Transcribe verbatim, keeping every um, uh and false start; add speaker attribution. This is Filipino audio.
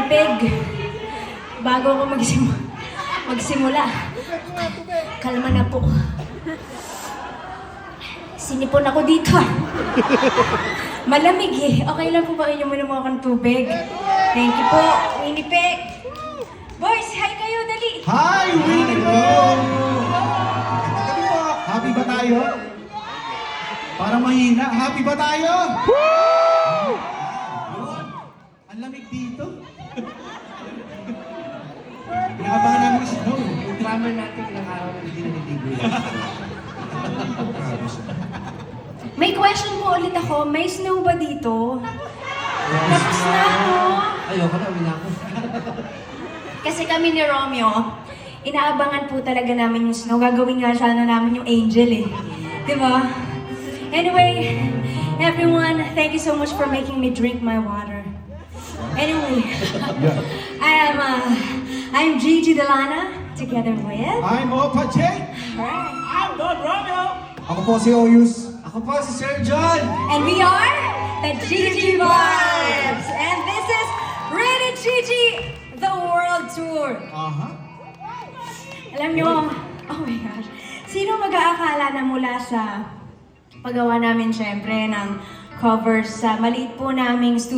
Speaker 1: tubig. Bago ako magsim magsimula. Kalma na po. Sinipon ako dito. Malamig eh. Okay lang po ba inyo muna mo akong tubig? Thank you po, Winnipeg. Boys, hi kayo, dali.
Speaker 2: Hi, Winnipeg! Happy ba tayo? Parang mahina. Happy ba tayo? Woo! Ang lamig dito. Pinakabahan namin yung snow.
Speaker 3: Yung drummer natin ilang araw na hindi na nag-libre.
Speaker 1: May question po ulit ako. May snow ba dito? Tapos na ako.
Speaker 3: Ayoko na, uwi na ako.
Speaker 1: Kasi kami ni Romeo, inaabangan po talaga namin yung snow. Gagawin nga sana namin yung angel eh. Diba? Anyway, everyone, thank you so much for making me drink my water. Anyway, I am, uh, I'm Gigi Delana, together with...
Speaker 2: I'm Opa J.
Speaker 1: Alright.
Speaker 3: I'm Don Romeo!
Speaker 2: Ako po si Oyus.
Speaker 3: Ako po si Sir John!
Speaker 1: And we are the Gigi Vibes! And this is Rated Gigi, the World Tour.
Speaker 2: Aha.
Speaker 1: Alam nyo, oh my gosh, sino mag-aakala na mula sa paggawa namin syempre ng covers sa maliit po naming studio